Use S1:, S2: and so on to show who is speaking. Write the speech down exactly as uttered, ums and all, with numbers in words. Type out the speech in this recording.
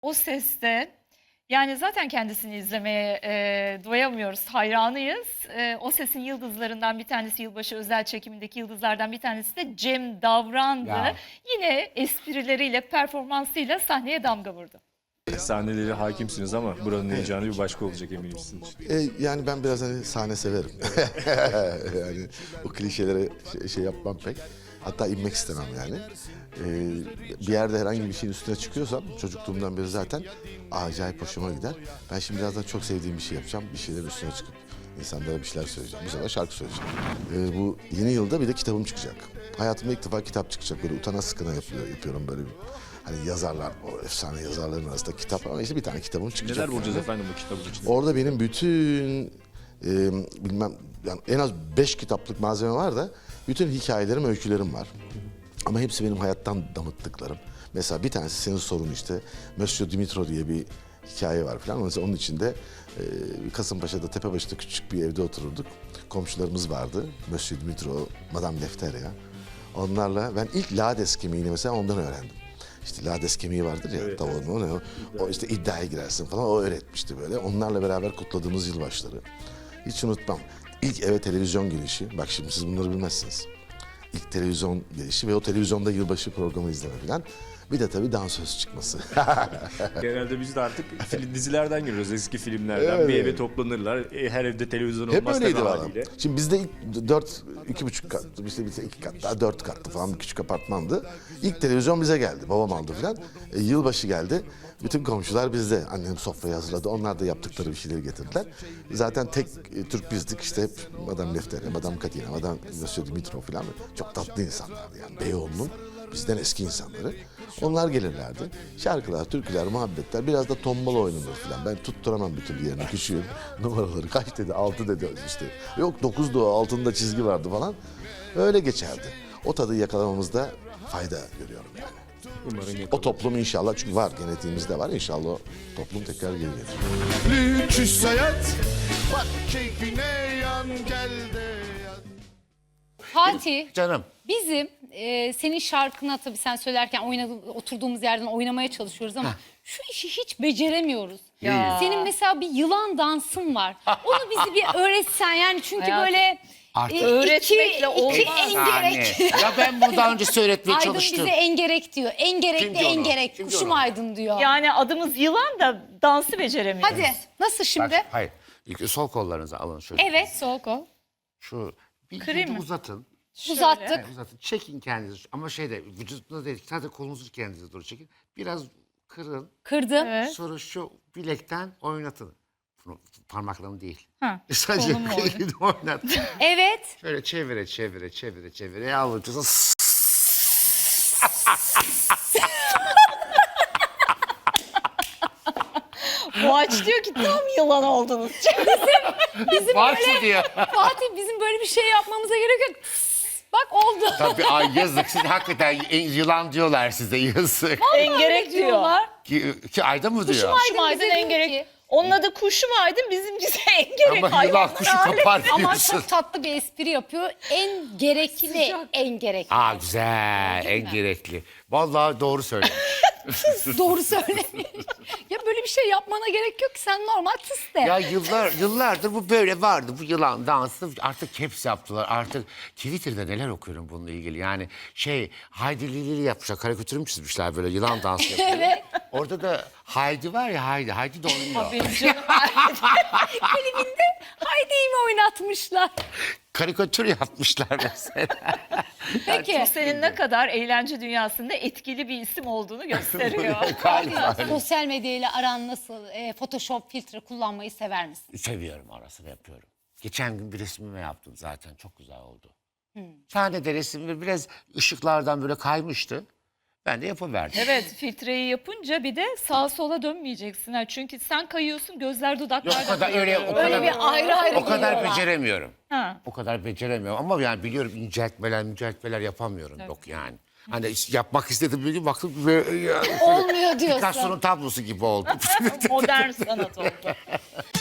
S1: O Ses'te yani zaten kendisini izlemeye e, doyamıyoruz, hayranıyız. E, O Ses'in yıldızlarından bir tanesi, yılbaşı özel çekimindeki yıldızlardan bir tanesi de Cem Davran'dı.
S2: Ya.
S1: Yine esprileriyle, performansıyla sahneye damga vurdu.
S3: Sahneleri hakimsiniz ama buranın heyecanı bir başka olacak eminim sizin için.
S4: E, yani ben biraz hani sahne severim. Yani o klişelere şey, şey yapmam pek. Hatta inmek istemem yani. E, bir yerde herhangi bir şeyin üstüne çıkıyorsam çocukluğumdan beri zaten acayip hoşuma gider. Ben şimdi birazdan çok sevdiğim bir şey yapacağım. Bir şeylerin üstüne çıkıp insanlara bir şeyler söyleyeceğim. Bu sefer şarkı söyleyeceğim. E, bu yeni yılda bir de kitabım çıkacak. Hayatımda ilk defa kitap çıkacak. Böyle utana sıkına yapıyor, yapıyorum böyle bir. Hani yazarlar, o efsane yazarların arasında kitap ama işte bir tane kitabım çıkacak.
S3: Neler bulacağız
S4: yani.
S3: efendim bu kitabın içinde?
S4: Orada benim bütün e, bilmem yani en az beş kitaplık malzeme var da bütün hikayelerim, öykülerim var. Ama hepsi benim hayattan damıttıklarım. Mesela bir tanesi senin sorun işte Monsieur Dimitro diye bir hikaye var falan. Mesela onun içinde e, Kasımpaşa'da Tepebaşı'da küçük bir evde otururduk. Komşularımız vardı. Monsieur Dimitro, Madame Lefteria. Onlarla ben ilk lades kemiğini mesela ondan öğrendim. İşte lades kemiği vardır ya,
S3: Evet,
S4: tavuğun o ne o? O işte iddiaya girersin falan, o öğretmişti böyle. Onlarla beraber kutladığımız yılbaşları. Hiç unutmam. İlk eve televizyon girişi, bak şimdi siz bunları bilmezsiniz. İlk televizyon girişi ve o televizyonda yılbaşı programı izleme falan. Bir de tabii dansöz çıkması.
S3: Genelde biz de artık film, dizilerden görüyoruz, eski filmlerden.
S4: Evet.
S3: Bir eve toplanırlar, e, her evde televizyon
S4: Hep
S3: olmaz
S4: öyleydi
S3: tabii
S4: valla.
S3: haliyle.
S4: Şimdi bizde ilk dört, iki buçuk kat, işte bize iki kat, daha dört kattı falan bir küçük apartmandı. İlk televizyon bize geldi, babam aldı falan. E, yılbaşı geldi, bütün komşular bizde. Annem sofrayı hazırladı, onlar da yaptıkları bir şeyleri getirdiler. Zaten tek e, Türk bizdik işte hep Madame Lefteria, Madame Katina, Madame Monsieur Dimitro falan. Çok tatlı insanlardı yani Beyoğlu'nun bizden eski insanları. Onlar gelirlerdi. Şarkılar, türküler, muhabbetler, biraz da tombala oynanır falan. Ben tutturamam bir türlü yerini, küçüğüm. Numaraları kaç dedi, altı dedi işte. Yok dokuzdu o, altında çizgi vardı falan. Öyle geçerdi. O tadı yakalamamızda fayda görüyorum yani.
S3: Umarım
S4: O
S3: yakalarız.
S4: toplum inşallah, çünkü var, genetiğimizde var. İnşallah o toplum tekrar geri gelir.
S5: Lüküs hayat, bak keyfine yan gel de yan.
S2: Fatih,
S6: Canım.
S2: bizim e, senin şarkına tabii sen söylerken oynadı, oturduğumuz yerden oynamaya çalışıyoruz ama şu işi hiç beceremiyoruz.
S1: Ya.
S2: Senin mesela bir yılan dansın var. Onu bizi bir öğretsen yani çünkü
S1: Hayatım,
S2: böyle
S1: artık
S2: e,
S1: öğretmekle
S2: iki,
S1: olmaz.
S2: iki engerek.
S6: Ya ben bunu daha önce söyletmeye
S2: Aydın
S6: çalıştım.
S2: bize engerek diyor. Engerekli
S6: Kim diyor onu?
S2: engerek.
S6: Kim diyor
S2: Kuşum
S6: onu?
S2: Aydın diyor.
S1: Yani adımız yılan da dansı beceremiyoruz.
S2: Hadi nasıl şimdi?
S6: Bak, hayır. İlk sol kollarınızı alın şöyle.
S2: Evet sol kol.
S6: Şu bir
S1: Kırayım
S6: vücudu
S1: mı?
S6: uzatın.
S2: Uzattık.
S6: Evet, uzatın. Çekin kendinizi. Ama şeyde vücudunuz değil. Sadece kolunuzu kendinize doğru çekin. Biraz kırın.
S2: Kırdım.
S1: Evet.
S6: Sonra şu bilekten oynatın. Bunu parmaklarını değil.
S1: Ha,
S6: Sadece
S1: kolumla oynat.
S6: elini oynatın.
S2: Evet.
S6: Şöyle çevire çevire çevire çevire avucunuza.
S1: Muaç diyor ki tam yılan oldunuz.
S2: Bizim
S6: Var
S2: böyle
S6: şu diyor.
S2: Fatih bizim böyle bir şey yapmamıza gerek yok. Bak oldu.
S6: Tabii ay yazık. Siz hakikaten yılan diyorlar size yazık.
S1: Engerek diyor.
S2: diyorlar.
S6: Ki, ki ayda mı diyor?
S1: Kuşum Aydın
S2: bize diyor
S1: engerek.
S2: ki-
S1: Onun adı Kuşum Aydın, bizimkisi engerek.
S6: Ama yılan
S1: hayvanlar
S6: kuşu
S1: alemi.
S6: kapar
S2: Ama
S6: diyorsun.
S2: çok tatlı bir espri yapıyor. En gerekli, en gerekli.
S6: Aa güzel, en gerekli. Vallahi doğru söylemiş.
S2: Doğru söylemiş. Ya böyle bir şey yapmana gerek yok ki sen normal tıs de.
S6: Ya yıllar yıllardır bu böyle vardı. Bu yılan dansı artık caps yaptılar. Artık Twitter'da neler okuyorum bununla ilgili. Yani şey Haydi Lili yapmışlar. Karikatür mü çizmişler böyle yılan dansı yapıyor.
S2: Evet.
S6: Orada da Haydi var ya Haydi. Haydi de oynuyor.
S1: Benim canım.
S2: Klibinde Haydi'yi mi oynatmışlar?
S6: Karikatür yapmışlar mesela.
S2: Peki.
S1: Senin ne kadar eğlence dünyasında etkili bir isim olduğunu gösteriyor.
S6: Galiba.
S2: Sosyal medyayla aran nasıl? E, Photoshop filtre kullanmayı sever misin?
S6: Seviyorum arasını yapıyorum. Geçen gün bir resmimi yaptım zaten. Çok güzel oldu. Sahnede resimde biraz ışıklardan böyle kaymıştı. Ben de yapıverdim.
S1: Evet, filtreyi yapınca bir de sağa sola dönmeyeceksin. Ha. Çünkü sen kayıyorsun, gözler dudaklar
S6: Yok, o
S1: da
S6: kadar öyle-
S1: kayıyor.
S6: o kadar-
S2: Öyle bir ayrı ayrı
S6: O kadar
S2: geliyorlar.
S6: beceremiyorum.
S1: Ha.
S6: O kadar beceremiyorum ama yani biliyorum inceltmeler, inceltmeler yapamıyorum. Yok yani. Hani yapmak istedim bir gün baktım böyle ya,
S2: Olmuyor diyorsun.
S6: Picasso'nun tablosu gibi oldu.
S1: Modern sanat oldu.